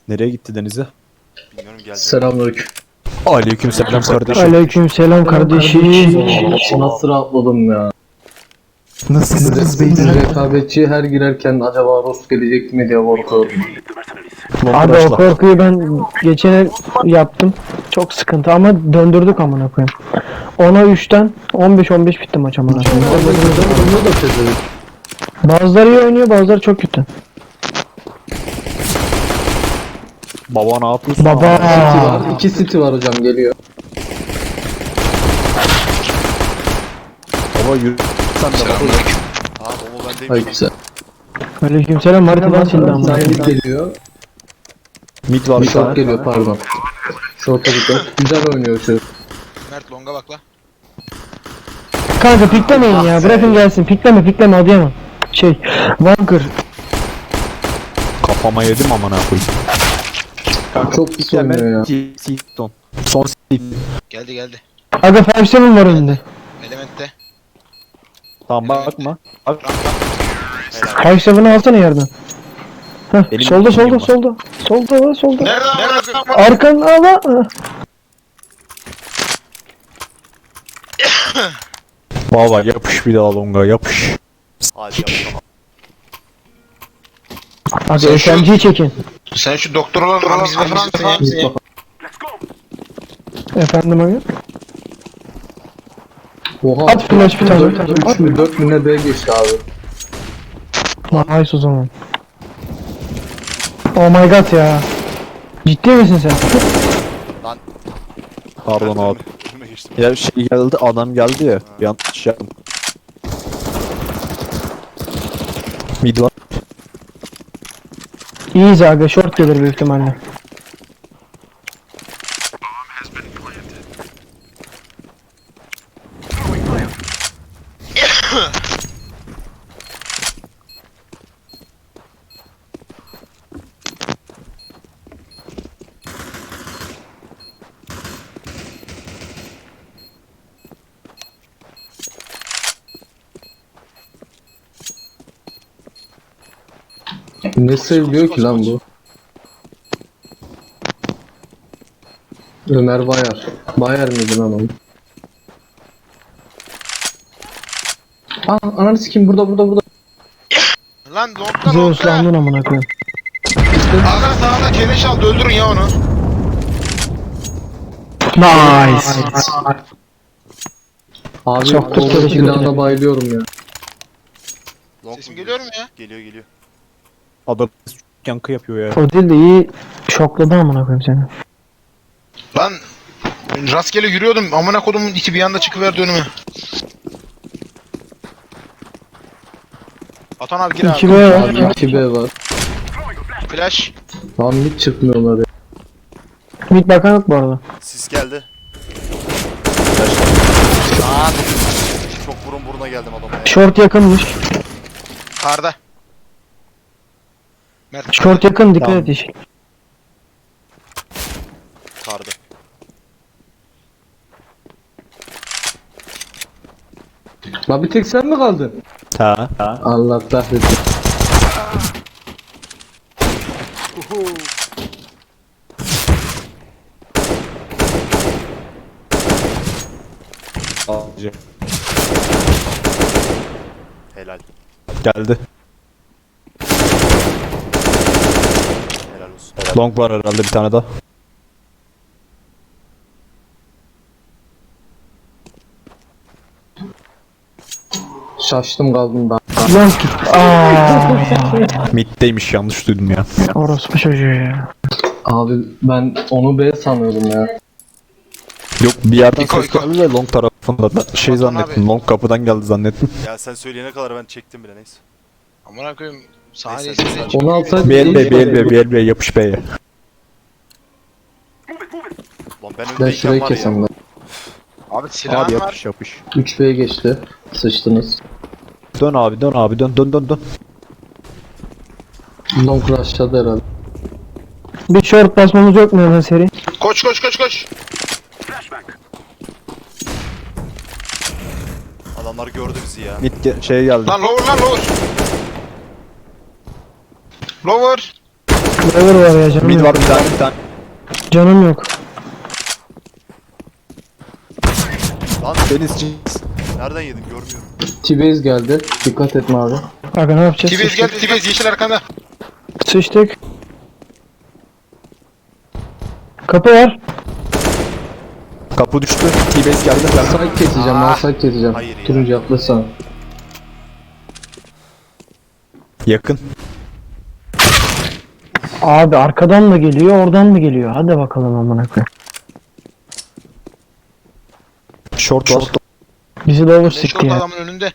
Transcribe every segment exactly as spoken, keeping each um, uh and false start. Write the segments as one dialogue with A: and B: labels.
A: Nereye gitti Deniz'e?
B: Bilmiyorum geldi.
C: Selamünaleyküm.
A: Aleykümselam kardeşim.
D: Aleykümselam kardeşim.
C: Nasıl rahatladım ya.
A: Nasılsınız
C: Siz rekabetçiye her girerken acaba Rost gelecek mi diye korkuyordum.
D: Abi o korkuyu ben geçen el yaptım. Çok sıkıntı ama döndürdük amına koyayım. Ona üçten on beş on beş bitti maç amına koyayım.
C: Bunu da çözelim.
D: Bazıları iyi oynuyor, bazıları çok kötü.
A: Baba ne yapıyorsun?
D: Baba.
C: City var. İki City var hocam geliyor.
A: Baba yürü. Sen de baba.
B: Aa baba bendeyim.
C: Hayır güzel.
D: Aleykümselam haritadan sildi amına
C: Sen
D: koyayım.
C: mid geliyor.
A: Mid var bir
C: Short
A: tane.
C: geliyor pardon. Short'a dikkat. Güzel oynuyor şu.
E: Mert longa bak la.
D: Kanka piklemeyin ya, bırakın gelsin. Pikleme pikleme Adıyaman. Şey, Vanker.
A: Kafama yedim amına koyayım.
C: Çok pis oynuyor ya.
A: Seaton. Son season.
E: Geldi geldi.
D: Aga beş seven var önünde.
E: Elementte.
A: Tamam bakma. Bak.
D: beş seven'ı alsana yerden. Heh,
A: Benim
D: solda solda
A: bilgim var.
D: solda. Solda solda.
E: Nereden nereden?
D: Arkan ala.
A: Baba yapış bir daha longa yapış.
B: Hadi yapalım.
D: Hadi
E: Sen şu-
D: S M G'yi çekin.
E: Sen şu doktor olan Ramiz'le falan mısın ya?
D: Efendim abi.
C: Oha.
D: At flash bir tane.
C: üç mü dört mü ne B geçti abi.
D: Nice o zaman. Oh my god ya. Ciddi misin sen?
A: Pardon abi.
B: Önüme geçtim.
A: Ya şey geldi adam geldi ya. Yanlış yaptım. Mid var.
D: İyiyiz aga, short gelir büyük ihtimalle.
C: Ne seviliyor ki lan bu? Ömer Bayar. Bayar mıydı lan oğlum? Aa ananı sikeyim burada burada burada.
E: Lan longda
D: Zeus
E: longda.
D: landın amına koyayım.
E: Ağzına sağına keleş aldı öldürün ya onu.
D: Nice.
C: Abi
D: Çok
C: çok
D: kötü
C: silahına bayılıyorum ya.
B: Long
E: Sesim
B: mu
E: geliyor mu ya?
B: Geliyor geliyor.
A: Adam yankı yapıyor ya.
D: O değil de iyi şokladı amına koyayım seni.
E: Lan rastgele yürüyordum. Amına kodumun iki bir anda çıkıverdi önüme. Atan abi gir abi.
D: iki B var.
C: Abi iki B var.
E: Flash.
C: Lan hiç çıkmıyorlar ya.
D: Mid bakan yok bu arada.
B: Sis geldi. Aa, çok burun buruna geldim adama ya.
D: Short yakınmış.
E: Karda. Mert.
D: Short yakın, dikkat
A: Tamam.
D: et yeşil.
B: Kardı.
C: Lan bir tek sen mi kaldın?
A: Ha. Ha.
C: Allah kahretsin.
A: Alıcı.
B: Helal.
A: Geldi.
B: Helal olsun.
A: Long var herhalde bir tane daha.
C: Şaştım kaldım ben.
D: Long git. Aaa.
A: Mid'deymiş yanlış duydum ya.
D: Orospu çocuğu ya.
C: Abi ben onu B sanıyordum ya.
A: Yok bir yerden
E: İko,
A: ses
E: İko.
A: geldi de long tarafında da şey
E: Batuhan
A: zannettim.
E: abi.
A: Long kapıdan geldi zannettim.
B: Ya sen söyleyene kadar ben çektim bile neyse.
E: Amına koyayım. Saniye
B: Neyse,
E: sesini
B: neyse.
E: çık.
C: Onu alsaydı
A: B L B B L B B L B yapış B'ye.
B: Lan ben
C: Ben
B: öndeyken
C: şurayı
B: var ya.
C: kesem ben.
E: Abi
A: Abi
E: silahın var.
A: yapış yapış.
C: üç B'ye geçti. Sıçtınız.
A: Dön abi dön abi dön dön dön dön.
C: Long rushladı herhalde.
D: Bir short basmamız yok mu hemen seri?
E: Koş koş koş koş.
B: Adamlar gördü bizi ya.
A: Mid ge- şey geldi.
E: Lan lower lan lower. Lower.
D: Lower var ya, canım
A: Mid
D: yok.
A: var bir tane bir tane.
D: Canım yok.
B: Lan
A: Deniz Cins.
B: nereden yedim görmüyorum.
C: T-Base geldi. Dikkat etme abi.
D: Aga ne yapacağız?
E: T-Base geldi, T-Base yeşil arkanda.
D: Sıçtık. Kapı var.
A: Kapı düştü. T-base geldi. Ben
C: Side keseceğim ben side keseceğim.
B: Hayır ya.
C: Turuncu yaklaşsana.
A: yakın.
D: Abi arkadan mı geliyor, oradan mı geliyor? Hadi bakalım amına koyayım.
A: Short var.
D: Bizi lower
E: Ne
D: sikti
E: şort
D: ya.
E: adamın önünde.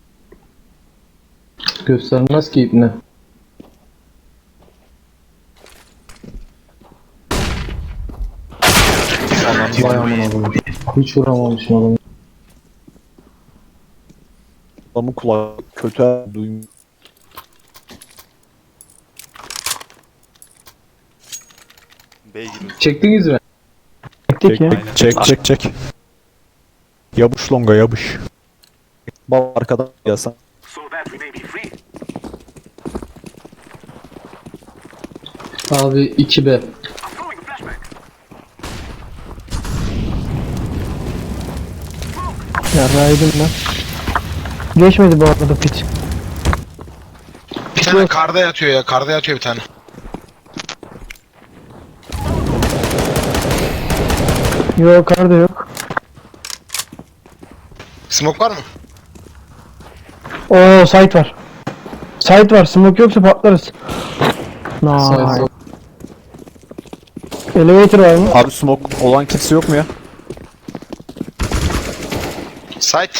C: Göstermez ki ipne. Vay aman adamı. Hiç vuramamışım adamı.
A: Adamın kulağı kötü duymuyor.
B: B'ye giriyoruz.
C: Çektiniz mi?
D: Çektik ya.
A: Çek çek çek. Yabuş longa yabuş. Bal arkadan gelsen.
C: Abi iki B.
D: Ya raydım ben. Geçmedi bu arada pit.
E: Bir tane karda yatıyor ya, karda yatıyor bir tane.
D: Yok karda yok.
E: Smoke var mı?
D: Oo site var. Site var. Smoke yoksa patlarız.
C: Side
D: Nice.
C: sol.
D: Elevator var mı?
A: Abi smoke olan kimse yok mu ya?
E: Site.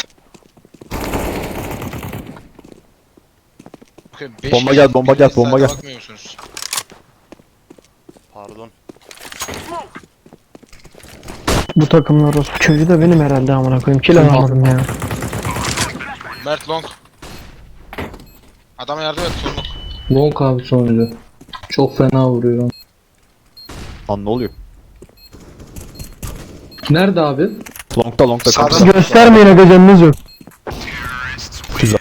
E: Okay, beş
A: Bomba
E: kişi-
A: gel, bomba gel,
E: biriniz
A: bomba
E: site'a
A: gel.
E: bakmıyor musunuz?
B: Pardon.
D: Bu takımlar orospu çocuğu da benim herhalde amına koyayım. Kill alamadım ya.
E: Mert Long. Adama yardım et, sonluk.
C: Long abi sonucu. Çok fena vuruyor.
A: Lan ne oluyor?
C: Nerede abi?
A: Longda longda
E: Sağda.
A: kapısı.
D: Göstermeyin aga, canınız yok.
A: Güzel.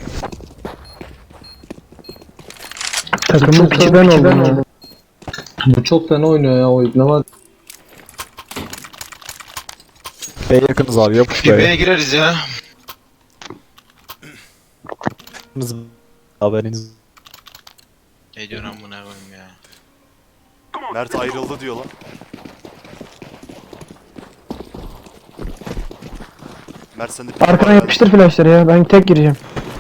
D: Takımın
C: Çok
D: piçi
C: fena,
D: ben
C: piçi
D: oldum
C: ben
D: ya.
C: oldum. Bu çok fena oynuyor ya o ibne var.
A: B'ye yakınız abi yapuş
E: Bir
A: B'ye.
E: B'ye gireriz ya.
A: Haberiniz.
E: Ne diyorsun amına koyayım ya.
B: Mert ayrıldı diyor lan. Mert sen de bir
D: Arkadan yapıştır flashları ya. Ben tek gireceğim.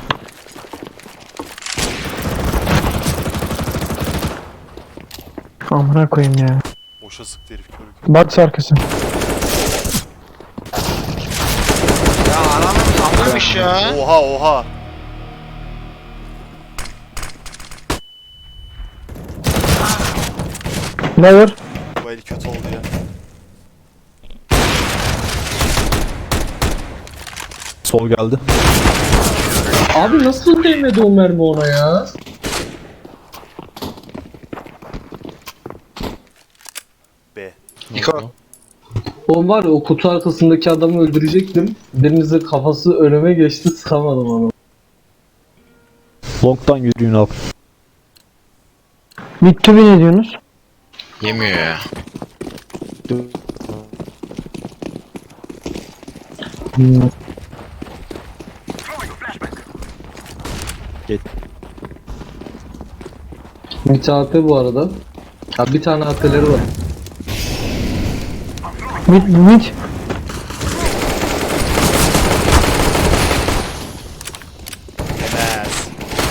D: Amına koyayım ya.
B: Boşa sıktı herif körü körü.
D: Box arkası.
E: Ya ananın anlamış ya.
B: Oha oha.
D: Lower.
B: Bu el kötü oldu ya.
A: Sol geldi.
C: Abi nasıl değmedi o mermi ona ya?
B: B.
E: Niko.
C: O var ya, o kutu arkasındaki adamı öldürecektim. Birinizin kafası önüme geçti, sıkamadım onu.
A: Long'dan yürüyün abi.
D: Mid to be ne diyorsunuz?
E: Yemiyor ya.
C: Hmm.
A: Geç.
C: Bir A P bu arada. Ha bir tane A P'leri var.
D: Mid mid.
B: Yemez.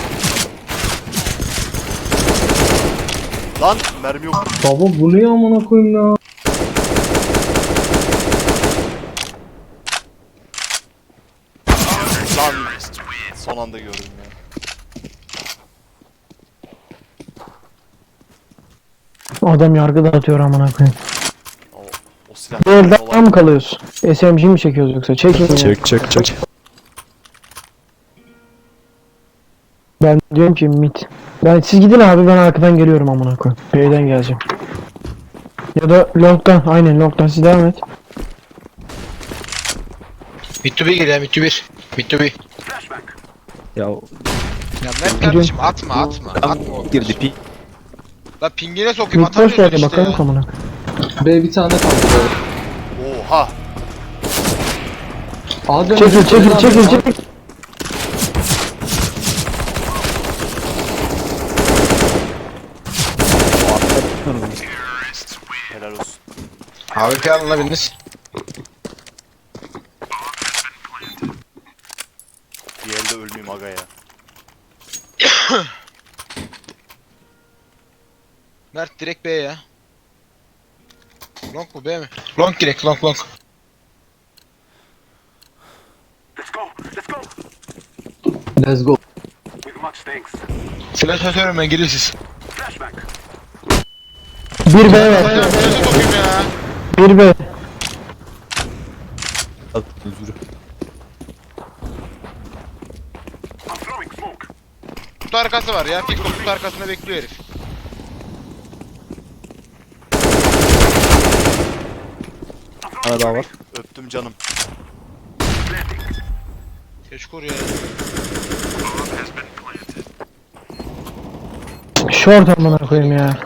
B: Lan mermi yok.
C: Baba bu ne amına koyayım ya?
B: Lan son anda gördüm ya.
D: Adam yargı dağıtıyor amına koyayım.
B: O, o silah.
D: Bu elden mı kalıyoruz? S M G mi çekiyoruz yoksa? Çekin ya.
A: Çek çek çek.
D: Ben diyorum ki mid. Ben siz gidin abi, ben arkadan geliyorum amına koyayım. B'den geleceğim. Ya da long'dan, aynen long'dan siz devam et.
E: Mid to B gel ya, mid to bir. Mid to B.
A: Ya
E: Ya Mert kardeşim atma atma. Atma o
A: girdi pi.
E: La pingine sokayım
D: Mid boş
E: atamıyorsun
D: geldi
E: işte
D: bakalım
E: ya.
D: amına.
C: B bir tane kaldı böyle.
B: Oha.
C: Adem
D: Çekil çekil çekil çekil.
B: Helal olsun.
E: A W P alın la biriniz.
B: Bir elde ölmeyeyim aga ya.
E: Mert direkt B'ye ya. Long mu B mi? Long direkt long long.
C: Let's go.
E: Flash atıyorum ben geliyor siz.
D: Bir B
E: Ya
D: var.
E: flash'e sokayım ya.
D: Bir B.
A: Özür.
E: Kutu arkası var ya. Fiko kutu arkasında bekliyor herif.
A: Bir tane daha var.
B: Öptüm canım.
E: Keşkur ya.
D: Short amına koyayım ya.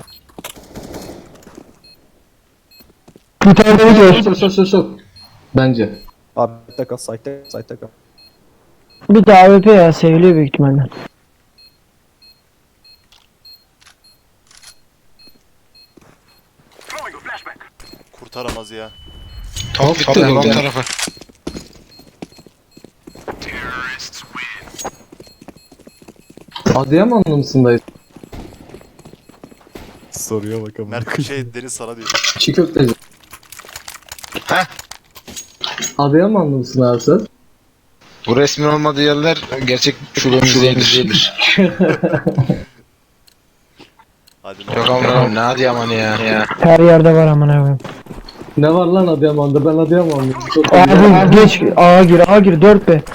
D: Bir tane daha gör.
C: Sok sok sok sok. Bence.
A: Abi site'de kal, site'de kal, site'de kal.
D: Bir de A W P ya seviliyor büyük ihtimalle.
B: Kurtaramaz ya.
E: Top bitti long tarafı.
C: Adıyamanlı mısın dayı?
A: Soruyor bakalım.
B: Mert şey Deniz sana diyor.
C: Çiğ köfteci.
E: Heh.
C: Adıyamanlı mısın abi sen?
E: Bu resmin olmadığı yerler gerçek şubemiz değildir.
B: Hadi
E: Yok amına ne hadi aman ya. ya.
D: Her yerde var amına koyayım.
C: Ne var lan Adıyaman'da? Ben Adıyamanlıyım. Çok
D: Abi geç A gir A gir dört B.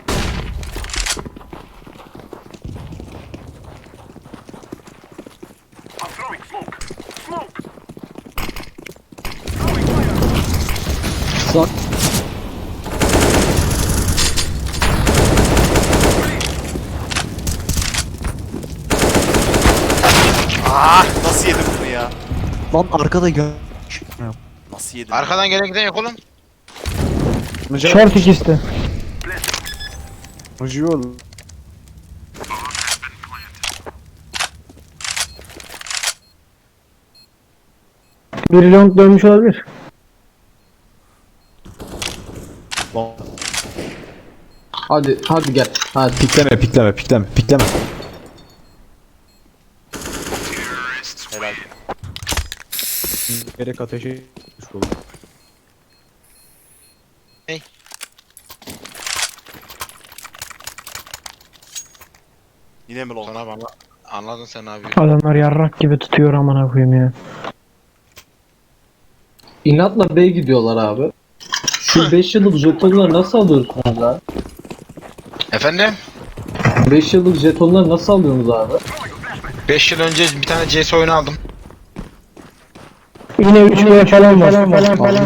C: Sak.
B: Ah, nasıl yedim bunu ya?
A: Lan arkada gel.
B: Nasıl yedim?
E: Arkadan gelen giden yok oğlum.
D: Short ikisi de.
A: Acıyor.
D: Biri long dönmüş olabilir.
A: Lan
C: Hadi hadi gel. Hadi.
A: pikleme, pikleme, pikleme, pikleme.
B: Helal.
A: Gerek ateşe düşmüş oldu.
B: Yine mi long?
E: Sana bana anladın sen abi.
D: Adamlar yarrak gibi tutuyor amına koyayım ya.
C: İnatla B gidiyorlar abi. Şu beş yıllık jetonları nasıl alıyorsunuz abi?
E: Efendim?
C: beş yıllık jetonları nasıl alıyorsunuz abi?
E: beş yıl önce bir tane C S oyunu aldım.
D: Yine üç B falan var. Falan falan.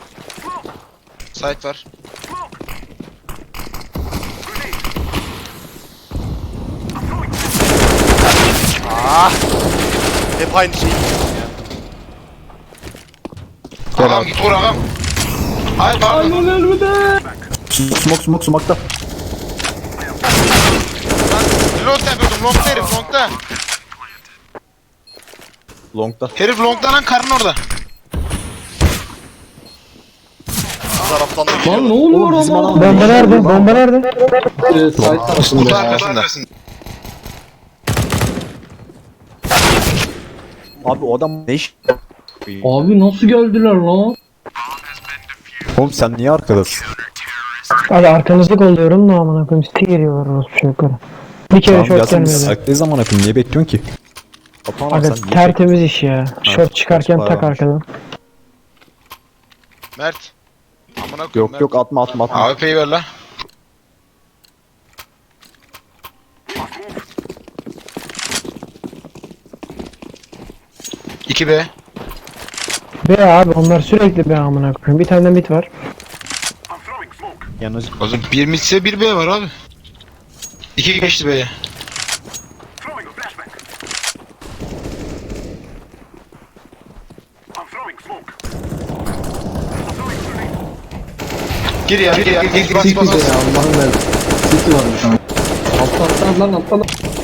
E: Site var.
B: Ah! Hep aynı şey.
E: Ağam git vur ağam. Hayır pardon.
A: Smoke, smoke, smoke'ta.
E: Ben reload yapıyordum longta herif longta.
A: Long'da.
E: Herif longta lan karın orada.
B: Bu taraftan da
C: Lan ne
B: geliyorlar.
C: oluyor
A: Oğlum bizim
C: ama?
A: adam-
D: Bomba nerede? Bomba nerede?
C: Ee, site tarafında
E: Kutu
C: ya.
E: arkasında.
A: Abi o adam ne iş?
C: Abi nasıl geldiler lan?
A: Oğlum sen niye arkadasın?
D: Hadi arkanızda kolluyorum da amına koyayım. Site geliyorlar orospu çocukları. Bir kere
A: Tamam
D: short
A: gelsin biz
D: gelmedi.
A: saklıyız zaman akım niye bekliyorsun ki? Kapan lan
D: Aga
A: sen niye
D: tertemiz iş ya. Short çıkarken
A: bayağı
D: tak
A: varmış.
D: arkadan.
E: Mert. Amına koyayım
A: Yok
E: Mert.
A: yok atma atma atma.
E: A W P'yi ver la. iki B.
D: B abi onlar sürekli B amına koyayım. Bir tane de mid var.
A: Yanıcı.
E: O zaman bir midse bir B var abi. iki geçti B'ye. Gir ya, gir ya, gir, bas
C: City
E: bas
C: de
E: bas.
C: ya Allah'ım ver. City var bir tane. Altta altta lan altta lan.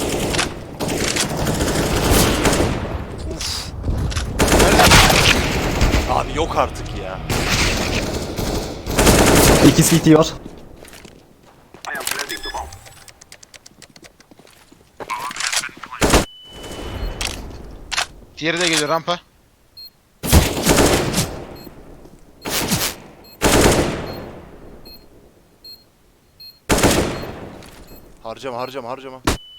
B: Abi yok artık ya.
A: İki C T var.
E: Diğeri de geliyor rampa.
B: Harcama harcama harcama.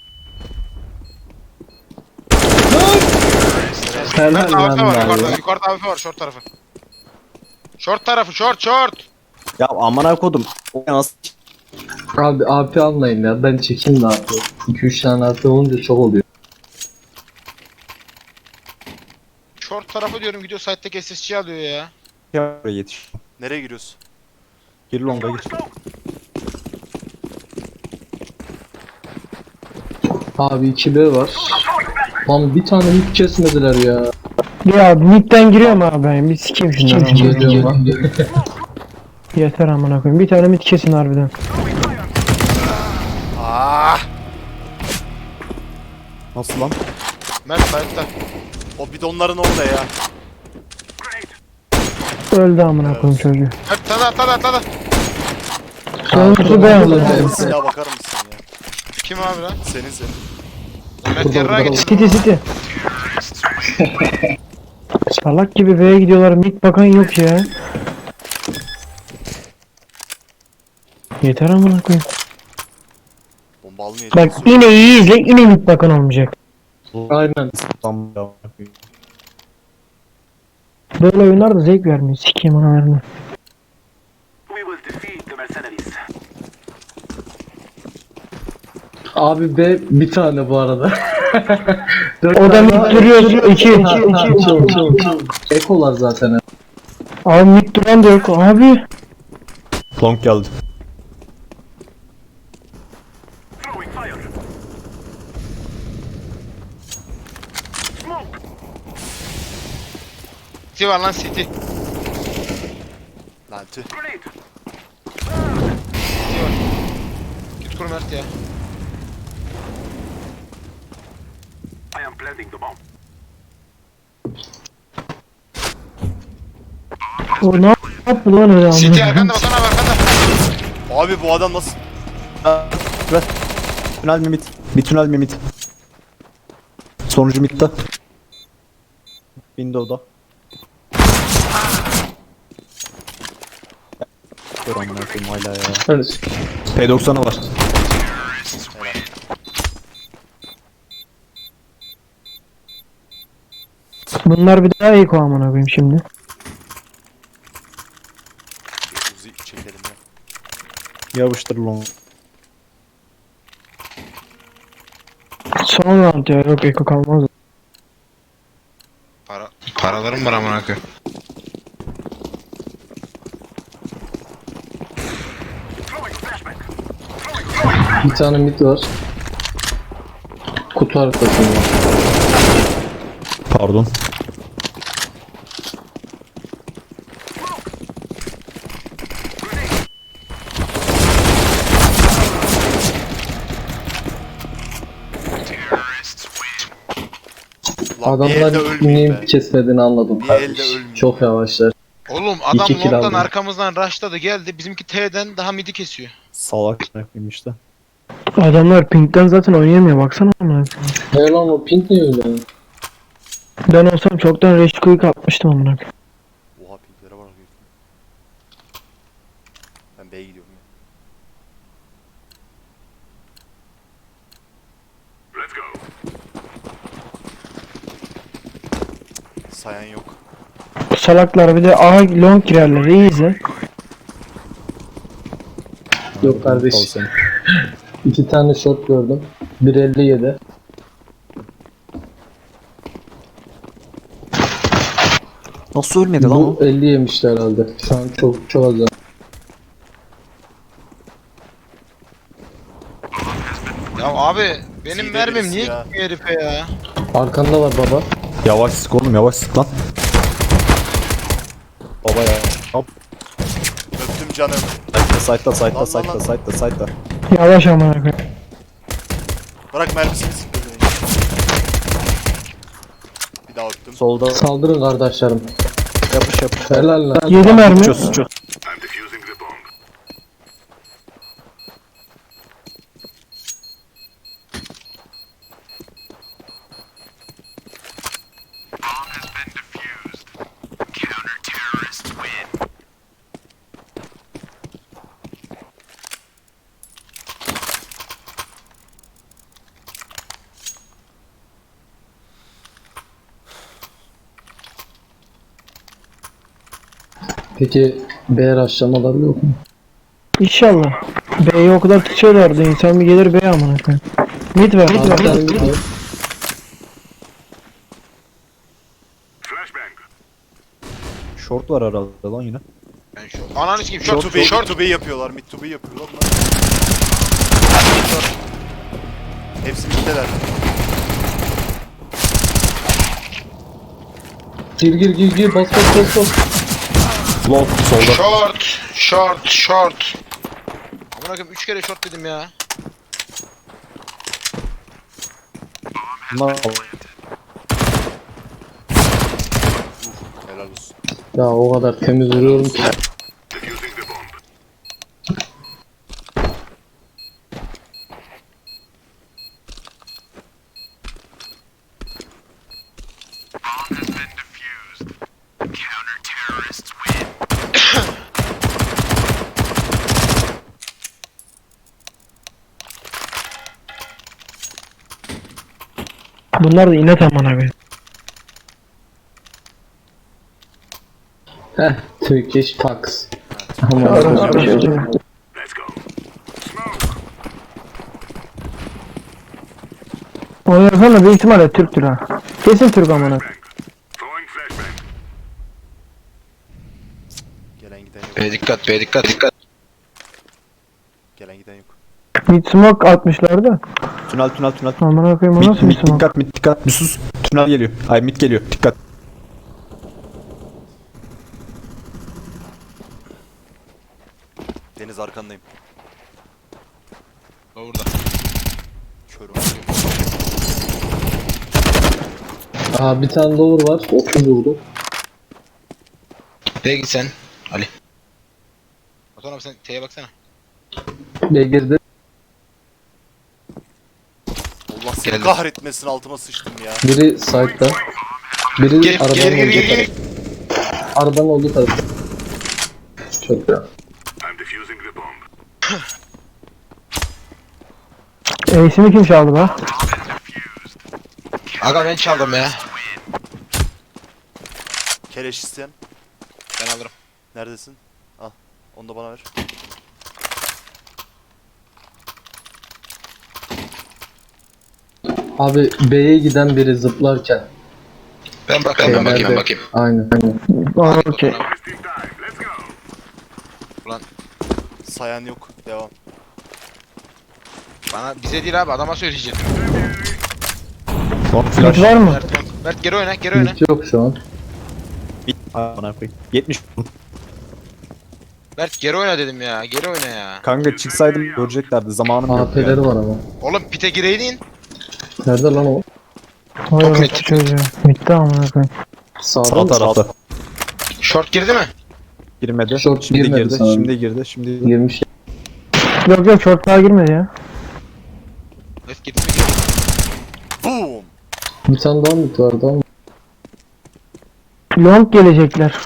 C: Helal
E: Yukarıda A W P
C: lan
E: var,
C: be
E: yukarıda,
C: abi.
E: yukarıda A W P var, short tarafı. Short tarafı, short, short.
A: Ya amına kodum. O nasıl?
C: Abi A P almayın ya. Ben çekeyim de A P. iki üç tane A P olunca çok oluyor.
E: Short tarafı diyorum, gidiyor site'deki S S G alıyor ya.
A: Ya buraya yetiş.
B: Nereye giriyorsun?
A: Gir longa gir.
C: Abi iki B var. Lan bir tane hiç kesmediler ya.
D: Ya midden giriyorum abi ben. Bir sikeyim şunları. amına.
C: Geliyorum lan.
D: Yeter amına koyayım. Bir tane mid kesin harbiden.
B: Ah!
A: Nasıl lan?
E: Mert site'da.
B: O bidonların orada ya.
D: Öldü amına koyayım çocuğu.
E: Mert atladı, atladı, atladı.
D: Sonuncusu ben
C: Abi,
D: aldım.
B: Silaha bakar mısın ya?
E: Kim abi lan?
B: Senin senin.
E: Mert yarrağa gitti.
D: City City. Salak gibi B'ye gidiyorlar. Mid bakan yok ya. Yeter amına koyayım.
B: Bomba almaya
D: Bak
B: çalışıyor.
D: yine iyi izle. Yine mid bakan olmayacak.
C: Aynen.
A: Tam ya.
D: Böyle oyunlar da zevk vermiyor. Sikeyim analarını.
C: Abi B bir tane bu arada. Dört
D: O da
C: tane
D: mid
C: var.
D: duruyor. iki.
C: Ha, ha, çok, çok, çok. Ekolar zaten.
D: Abi mid duran da yok. Abi.
A: Long geldi.
E: City var lan, City.
B: Lan tüh.
E: City var. Git kur Mert ya.
D: O ne yaptı lan öyle amına
E: City
D: koyayım?
E: arkanda, Batuhan abi arkanda.
B: Abi bu adam nasıl?
A: Ver. Tünel mi mid? Bir tünel mi mid? Sonucu midde. Window'da. Dur amına koyayım hala ya.
C: Evet.
A: P doksanı var.
D: Bunlar bir daha eko amına koyayım şimdi.
B: Uzi çekelim ya.
A: Yapıştır long.
D: Son round ya. Yok eko kalmaz.
E: Para, paralarım var amına koyayım.
C: Bir tane mid var. Kutu arkasında.
A: Pardon.
B: Lan bir elde
C: Adamlar
B: ölmeyeyim
C: neyim
B: be.
C: kesmediğini anladım.
B: Bir
C: kardeş.
B: elde ölmeyeyim.
C: Çok yavaşlar.
E: Oğlum adam
C: İki kill
E: long'dan
C: aldım.
E: arkamızdan rushladı geldi. Bizimki T'den daha midi kesiyor.
A: Salak yapayım işte.
D: Adamlar pinkten zaten oynayamıyor. Baksana amına koyayım.
C: Ne lan o pink ne öyle?
D: Ben olsam çoktan Rage Quick atmıştım amına koyayım.
B: Oha pinklere bak. Ben B'ye gidiyorum ya. Sayan yok.
D: Salaklar bir de A long girerler. İyi izle.
C: Yok kardeş.
A: Al seni.
C: İki tane shot gördüm. bir elli yedi.
A: Nasıl ölmedi lan o?
C: Bu elli yemişler herhalde. Şu an çok çok az.
E: Ya abi benim
B: Zide
E: mermim
B: birisi
E: niye
B: ya.
E: gitmiyor herife ya?
C: Arkanda var baba.
A: Yavaş sık oğlum yavaş sık lan. Baba ya. Hop.
B: Öptüm canım.
A: Site'da site'da
B: Lan,
A: site'da
B: lan,
A: site'da site'da.
D: Yavaş amına koyayım.
B: Bırak mermisini siktir beni. Bir daha öptüm.
A: Solda
C: Saldırın kardeşlerim.
A: yapış yapış.
C: Helal lan.
D: Yedi mermi.
A: Çöz çöz.
C: Peki B rushlamaları yok mu?
D: İnşallah. B'yi o kadar tutuyorlardı. İnsan bir gelir B'ye amına koyayım. Mid ver.
C: Abi
D: Mid ver.
C: sen bir de-
A: Short var herhalde lan yine.
E: Ben şu. Ananı sikeyim
B: Short
E: short
B: to B,
E: short.
B: short to B yapıyorlar. Mid to B yapıyorlar. Lan. Hepsi middeler.
C: Gir gir gir gir bas bas bas bas.
A: Long solda.
E: Short. Short. Short. Amına koyayım üç kere short dedim ya.
A: Bunlar
B: Helal olsun.
C: Ya o kadar temiz vuruyorum ki.
D: Bunlar da inet amına koyayım.
C: Heh, Turkish Pax.
D: Orası bir şey oluyor. O yazan da büyük ihtimalle Türktür ha. Kesin Türk amına.
B: Gelen giden yok.
E: B dikkat B dikkat dikkat.
B: Gelen giden yok.
D: Mid smoke atmışlardı.
A: tünel tünel tünel.
D: Amına koyayım o
A: Mid,
D: nasıl bir
A: mid
D: smoke?
A: dikkat mid dikkat. Bir sus. Tünel geliyor. Ay mid geliyor. Dikkat.
B: Deniz arkandayım.
E: Orada.
B: Körüm.
C: Aha bir tane lower var. otuz vurdu.
E: B'ye git sen. Ali. Batuhan abi sen T'ye baksana.
C: B girdi.
B: Allah seni
E: Geldim.
B: kahretmesin, altıma sıçtım ya.
C: Biri side'da. Biri
E: Gel
C: arabanın
E: gel gel
C: olduğu
E: gel.
C: taraf. Arabanın olduğu tarafta. Çok ya.
D: Ace'ini kim çaldı be?
E: Aga ben çaldım ya.
B: Keleş isteyen.
E: Ben alırım.
B: Neredesin? Al. Onu da bana ver.
C: Abi B'ye giden biri zıplarken.
E: Ben bakayım ben bakayım ben
C: Nerede?
E: bakayım.
C: Aynen. aynen.
D: Aa, okey.
E: Ulan
B: Sayan yok. Devam.
E: bana bize değil abi adama söyleyeceğim.
A: Long
D: Mid
A: flash.
D: var mı?
E: Mert, Mert geri oyna geri oyna.
C: Hiç yok şu an.
A: Mid. Bana koyayım. yetmiş.
E: Mert geri oyna dedim ya geri oyna ya.
A: Kanka çıksaydım göreceklerdi. Zamanım yok.
C: A P'leri
A: yani.
C: var ama.
E: Oğlum pite gireydin.
C: Nerede lan o?
D: Vay
E: Çok
D: orası
E: net.
D: çocuğu. Mid'de amına koyayım.
C: Sağda
A: Sağ
C: mı?
A: tarafta.
E: Short girdi mi?
A: Girmedi.
C: Short
A: şimdi
C: girmedi
A: girdi.
C: sanırım.
A: Şimdi girdi. Şimdi girdi.
C: Girmiş.
D: Yok yok short daha girmedi ya.
E: Evet girdi mi girdi.
B: Boom!
C: Bir tane daha mı vardı ama.
D: Long gelecekler.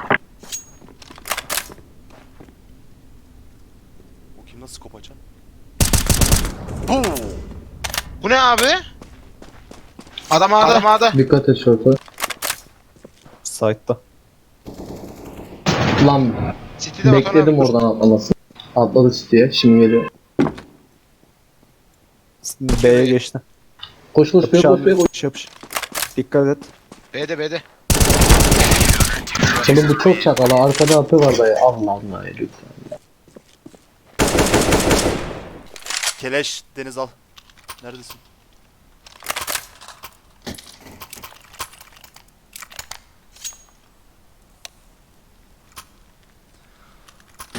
B: O kim, nasıl kopacan? Boom!
E: Bu ne abi? Adam ağda adam ağda.
C: Dikkat et şorta.
A: Side'da.
C: Lan
E: City'de Batuhan
C: bekledim
E: abi.
C: oradan atlamasını. Atladı City'ye. Şimdi geliyor.
A: B'ye geçti.
C: Koş koş B'ye
A: Yapış
C: koş B'ye
A: abi.
C: koş.
A: Yapış yapış. Dikkat et.
E: B'de B'de.
C: Şimdi bu çok çakalı. Arkada A P var dayı. Allah Allah ya lütfen.
B: Keleş, Deniz al. Neredesin?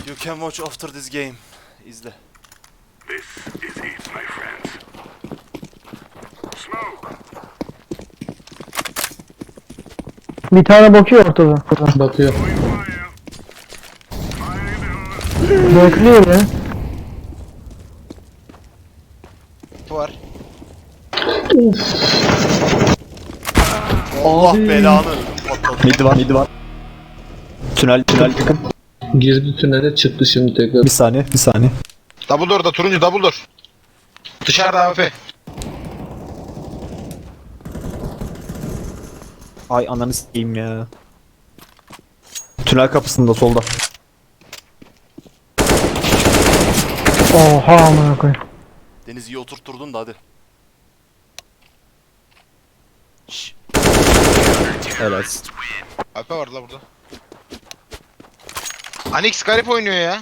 B: You can watch after this game. İzle.
D: Bir tane bakıyor ortada.
C: Bakıyor.
D: Bekliyor ya.
E: Var.
B: Allah
C: Abi.
B: belanı. Patladı.
A: Mid var mid var. Tünel tünel yakın.
C: Girdi tünele çıktı şimdi tekrar.
A: Bir saniye bir saniye.
E: Double door'da turuncu double door. Dışarıda A W P.
A: Ay ananı s**eyim ya. Tünel kapısında solda.
D: Oha amına koyayım.
B: Deniz iyi oturtturdun da hadi. Şşş.
A: Helal.
E: A W P var la burada. Anix garip oynuyor ya.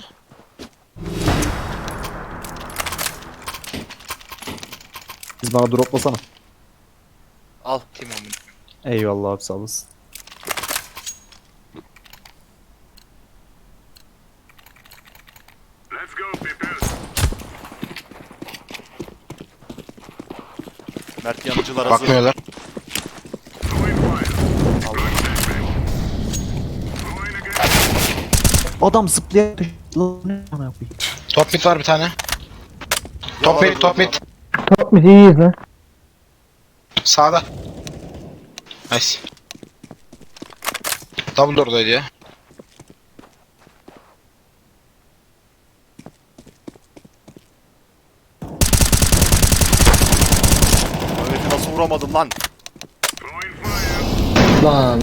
A: Biz bana droplasana.
B: Al.
E: Kim o?
A: Eyvallah abi sağ olasın.
B: Mert yanıcılar hazır.
E: Bakmıyorlar.
A: Adam zıplayarak lan ne amına koyayım.
E: Top mid var bir tane. Top mid, top mid.
D: Top mid iyiyiz lan.
E: Sağda. Nice. Double door'daydı ya.
B: Mehmet'i nasıl vuramadım lan?
C: Lan.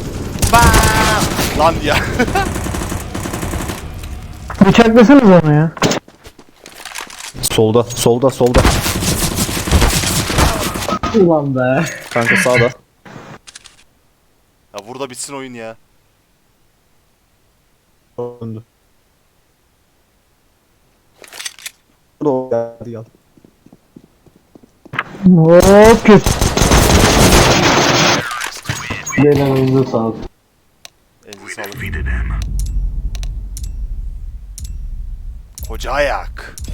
B: Lan ya.
D: Bıçaklasanız onu ya.
A: Solda solda solda.
C: Ulan be.
A: Kanka sağda.
B: Ya burada bitsin oyun ya.
A: Döndü. Burada geldi geldi.
D: Hop kötü.
C: Gelen elinize sağlık.
B: Elinize sağlık. Koca ayak.